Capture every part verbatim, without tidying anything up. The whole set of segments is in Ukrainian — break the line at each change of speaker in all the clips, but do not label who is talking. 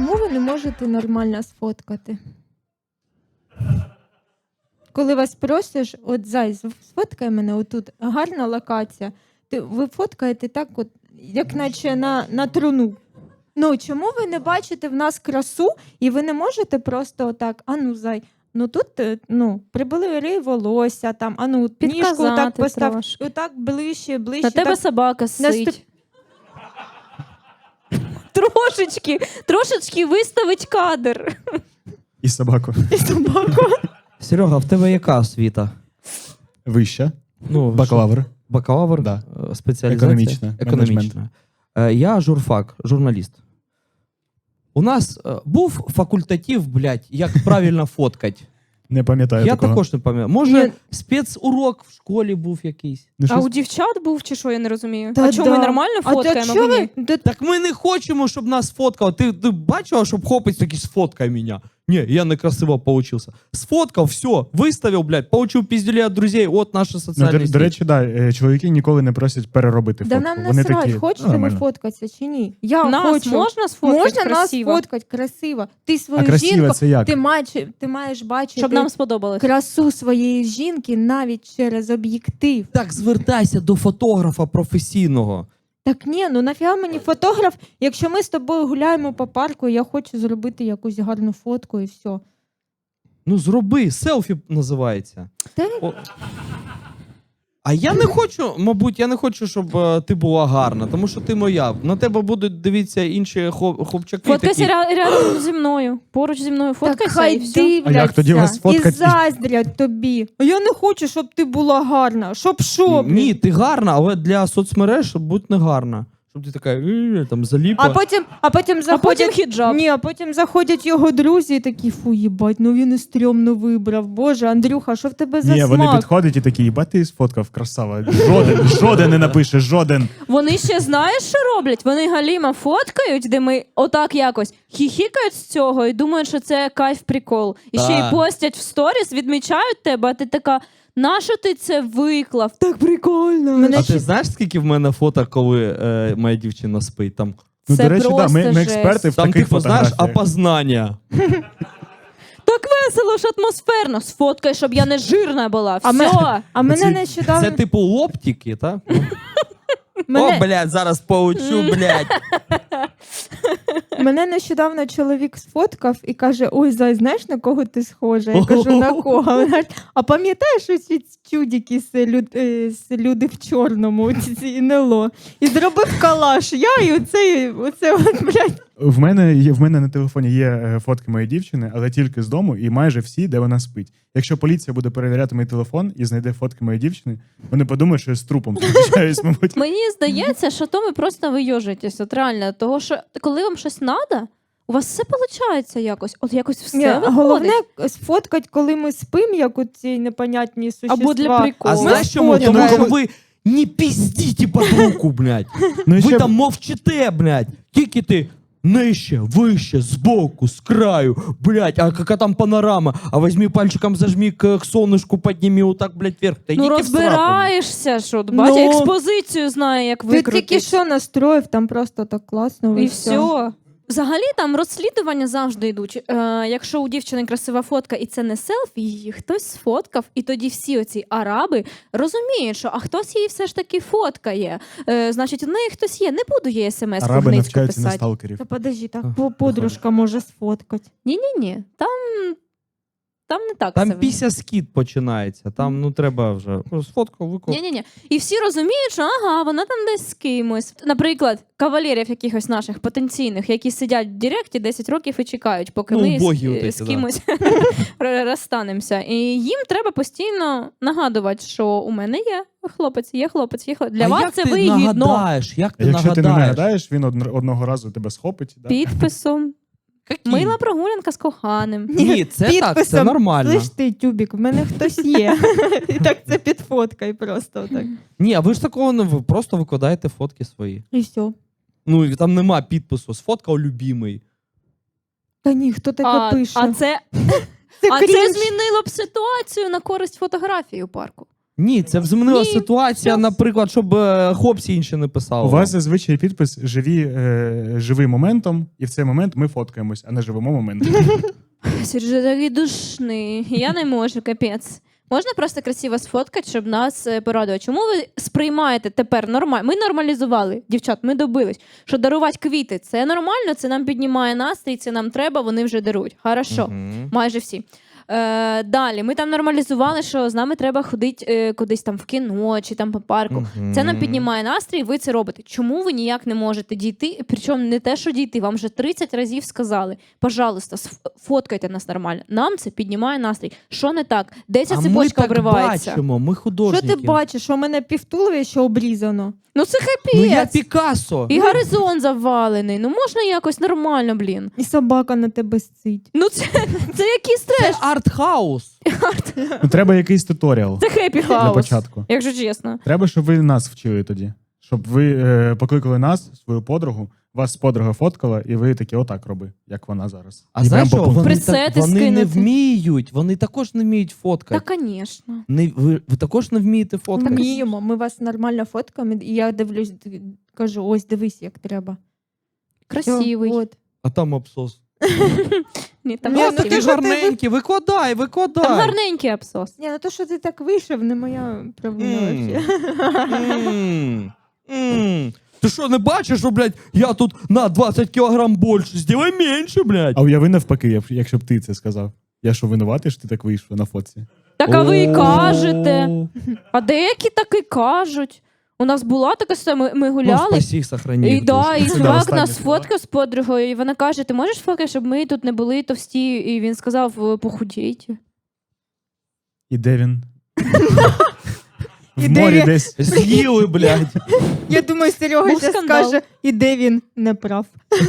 чому ви не можете нормально сфоткати? Коли вас просиш, от зай, сфоткай мене, отут гарна локація. Ти, ви фоткаєте так, от, як наче на, на труну. Ну, чому ви не бачите в нас красу, і ви не можете просто отак, а ну, зай, ну тут, ну, прибери волосся, там, а ну, ніжку так постав, отак ближче, ближче.
На тебе
так,
собака сить. Наступ... Трошечки, трошечки виставить кадр.
І собаку.
І собаку.
Серега, в тебе яка освіта?
Вища.
Ну,
бакалавр.
Що? Бакалавр?
Да.
Спеціалізація?
Економічна.
Економічна. Е, я журфак, журналіст. У нас е, був факультатив, блядь, як правильно фоткати.
Не пам'ятаю
Я
такого.
також не пам'ятаю. Може,
Ні.
спецурок в школі був якийсь.
Ну,
а
щось...
у дівчат був чи що, я не розумію?
Та
а чому
да.
ми нормально
А
фоткаємо,
то
а ви ні?
ви...
Так ми не хочемо, щоб нас фоткали. Ти, ти бачила, щоб хлопець такий сфоткай мене? Ні, я некрасиво получився. Сфоткав, все, виставив, блядь, получив піздюлі від друзей, от наша
Ну,
соціальна
до, до речі, да, чоловіки ніколи не просять переробити
Да
фотку.
нам
Вони
насрать,
такі,
хочете
«Ну,
ви
нормально».
фоткатися чи ні? Я
Нас
хочу.
можна сфоткати
Можна
красиво?
нас фоткати красиво. Ти свою
А красиво
жінку,
це як?
ти маєш, ти маєш бачити
Щоб нам сподобалось.
красу своєї жінки навіть через об'єктив.
Так звертайся до фотографа професійного.
Так ні, ну нафіга мені фотограф, якщо ми з тобою гуляємо по парку, я хочу зробити якусь гарну фотку і все.
Ну зроби, селфі називається.
Та...
О. А я не хочу, мабуть, я не хочу, щоб е, ти була гарна, тому що ти моя. На тебе будуть дивитися інші хлоп- хлопчаки.
Фоткайся
такі.
ря- рядом зі мною. Поруч зі мною
Так
фоткайся
хай
і все.
дивляться
А як тоді вас
і
фоткать?
заздрять тобі. А я не хочу, щоб ти була гарна. Щоб що? блін?
Ні, ти гарна, але для соцмереж будь не гарна. Щоб ти така, «Е, там заліпа.
А потім, а потім
А
заходять...
потім хіджаб.
Ні, а потім заходять його друзі і такі, фу, їбать, ну він і стрьомно вибрав. Боже, Андрюха, що в тебе за
Ні,
смак?
вони підходять і такі, їбать, ти сфоткав, красава. Жоден, жоден не напише, жоден.
Вони ще знаєш, що роблять? Вони галіма фоткають, де ми отак якось хіхікають з цього і думають, що це кайф-прикол. І ще
Так.
й постять в сторіс, відмічають тебе, а ти така, нащо ти це виклав? Так прикольно. Мене
А
ще...
ти знаєш, скільки в мене фото, коли е, моя дівчина спить? Там,
Ну,
Це
до речі, да,
просто
ми, ми
жесть.
експерти в
там
таких
типу, знаєш,
фотографіях.
опознання.
Так весело ж атмосферно. Сфоткай, щоб я не жирна була. Все.
А ми- А мене
Ці-
нещодавно...
Це типу лоптики, так?
Мене...
О, блядь, зараз поучу, блядь.
Мене нещодавно чоловік сфоткав і каже, ой, зай, знаєш, на кого ти схожа? Я кажу, на кого? Вона каже, а пам'ятаєш оці чудики з, люд... е, з люди в чорному, ці НЛО? І зробив калаш. Я і оце, оце от, блядь.
В мене, є, в мене на телефоні є е, фотки моєї дівчини, але тільки з дому і майже всі, де вона спить. Якщо поліція буде перевіряти мій телефон і знайде фотки моєї дівчини, вони подумають, що я з трупом зустрічаюсь, мабуть.
Мені здається, що то ви просто вийожитесь. От реально, того, що коли вам щось треба, у вас все виходить якось. От якось все
Ні,
виходить.
головне сфоткати, коли ми спимо, як у ці непонятні существа.
Або для приколу.
А
Ми
знаєш чому?
сфоткаємо.
Тому що ви не піздіть під руку, блядь.
Ну, і
Ви
ще-
там мовчите, блядь. Тільки ти нижче, вище, збоку, з краю, блядь, а яка там панорама? А візьми пальчиком, зажми к, к сонечку, підніми отак, блядь, вверх. Та
Ну
йдіть в сраку.
розбираєшся, що от, бачиш,
Ну.
експозицію знає, як
Ти
викрутити.
тільки що настроїв, там просто так класно.
І все. Взагалі там розслідування завжди йдуть. Е, якщо у дівчини красива фотка і це не селфі, її хтось сфоткав, і тоді всі оці араби розуміють, що а хтось її все ж таки фоткає. Е, значить, у неї хтось є. Не буду їй смс-ку
Араби
гницьку
навчаються на
писати.
сталкерів.
Та подожди, так
А,
по- подружка може сфоткати.
Ні-ні-ні, там, там не так
Там
все.
після скіт починається, там ну треба вже сфоткав, виклав.
Ні-ні-ні. І всі розуміють, що ага, вона там десь з кимось. Наприклад, кавалерів якихось наших потенційних, які сидять в Директі десять років і чекають, поки
Ну,
ми
убогі
з,
отеці,
з
да.
кимось розстанемося. І їм треба постійно нагадувати, що у мене є хлопець, є хлопець, є хлопець. Для
А
вас
як
це
ти
вигідно.
нагадаєш? Як
А
ти
якщо ти не
нагадаєш?
нагадаєш, він одн- одного разу тебе схопить. Да?
Підписом.
Які?
Мила прогулянка з коханим.
Ні, це так, це
Підписом.
нормально.
Слиш ти, тюбік, в мене хтось є. І так це підфоткай просто так.
Ні, а ви ж такого не ви просто викладаєте фотки свої.
І все.
Ну і там нема підпису. Сфоткав любимий.
Та ні, хто таке
А,
пише?
а це,
Це
а це
крінж.
змінило б ситуацію на користь фотографії у парку.
Ні, це змінила
Ні,
ситуація,
щас.
наприклад, щоб е, хлопці інші не писали.
У вас зазвичай підпис живі, е, живи моментом, і в цей момент ми фоткаємось, а не живемо моментом.
Сережа такий душний. Я не можу, капець. Можна просто красиво сфоткати, щоб нас е, порадувати. Чому ви сприймаєте тепер нормально? Ми нормалізували, дівчат, ми добились, що дарувати квіти це нормально, це нам піднімає настрій, це нам треба, вони вже дарують. Хорошо,
Мгм.
майже всі. Е, далі, ми там нормалізували, що з нами треба ходити е, кудись там в кіно чи там по парку.
Мгм.
Це нам піднімає настрій, ви це робите. Чому ви ніяк не можете дійти? Причому не те, що дійти, вам вже тридцять разів сказали. Пожалуйста, сфоткайте нас нормально. Нам це піднімає настрій. Що не так? Де ця
А ми
цепочка
так
обривається?
бачимо, ми
Що
художники.
ти бачиш, що у мене півтуловища обрізано?
Ну це
Ну я
капець.
Пікассо.
І горизонт завалений. Ну можна якось нормально, блін.
І собака на тебе сцить.
Ну це, це якийсь треш.
Це арт-хаус.
Ну, треба якийсь туторіал
Це хеппі
для
хаус.
початку.
Якщо чесно.
Треба, щоб ви нас вчили тоді. Щоб ви е, покликали нас, свою подругу, вас подруга фоткала, і ви такі отак роби, як вона зараз.
А
І
знаєш,
прям
що
по пункту.
вони,
Пресети
так, вони не
скинути.
вміють, вони також не вміють фоткати.
Та, звісно.
Не, ви, ви також не вмієте фоткати?
Вміємо, ми вас нормально фоткаємо, і я дивлюсь, д- кажу, ось дивись, як треба.
Красивий.
Всьо, от.
А там абсос.
Ні, там,
Ні,
Ну,
ну
красивий.
ти
такі
ж-
гарненькі, викладай, викладай.
Там гарненький абсос.
Ні, ну то, що ти так вийшов, не моя проблема
М.
взагалі.
М, м. Ти що, не бачиш, що, блядь, я тут на двадцять кілограм більше, сделай менше, блядь.
А уяви навпаки, як- якщо б ти це сказав. Я що, винуватий, що ти так вийшов на фотці?
Так а ви і
О.
кажете. А деякі так і кажуть. У нас була така ситуація, ми, ми
Ну,
гуляли.
спасі, сохрані.
І, да, і
Це
чувак
останні
нас
слова.
фоткав з подругою, і вона каже: ти можеш фоткати, щоб ми тут не були товсті? І він сказав: похудійте.
І де він?
І
В
де
морі
він?
десь.
З'їли, блядь.
Я думаю, Серега
Був
зараз
скандал.
скаже, і де він не прав.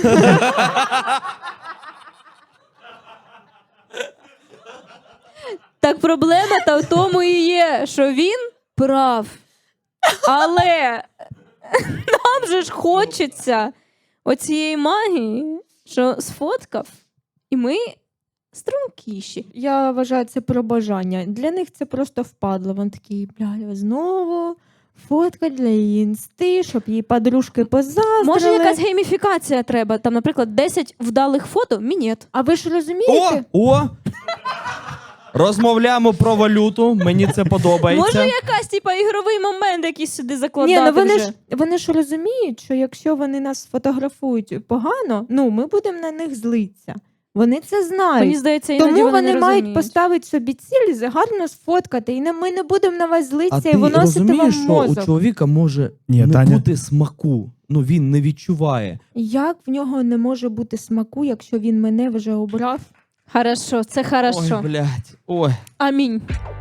Так проблема та в тому і є, що він прав. Але нам же ж хочеться оцієї магії, що сфоткав, і ми стрункіші.
Я вважаю, це про бажання. Для них це просто впадло. Вони такі, бля, знову фотка для її інсти, щоб її подружки позаздрили.
Може, якась гейміфікація треба? Там, наприклад, десять вдалих фото, мінет.
А ви ж
О,
розумієте?
о! Розмовляємо про валюту, мені це подобається.
Може, якась типа ігровий момент якийсь сюди
Ні,
закладати
ну вони
вже.
ж вони ж розуміють, що якщо вони нас фотографують погано, ну ми будемо на них злитися. Вони це знають.
Мені здається, іноді
Тому
вони,
вони
не
мають
розуміють.
поставити собі ціль, гарно сфоткати, і не- ми не будемо на вас
А
злитися
ти
і виносити вам
розумієш, що у
мозок.
чоловіка може
Ні,
не
Таня.
бути смаку. Ну, він не відчуває.
Як в нього не може бути смаку, якщо він мене вже обрав?
Хорошо, це хорошо.
Ой, блядь. Ой.
Амінь.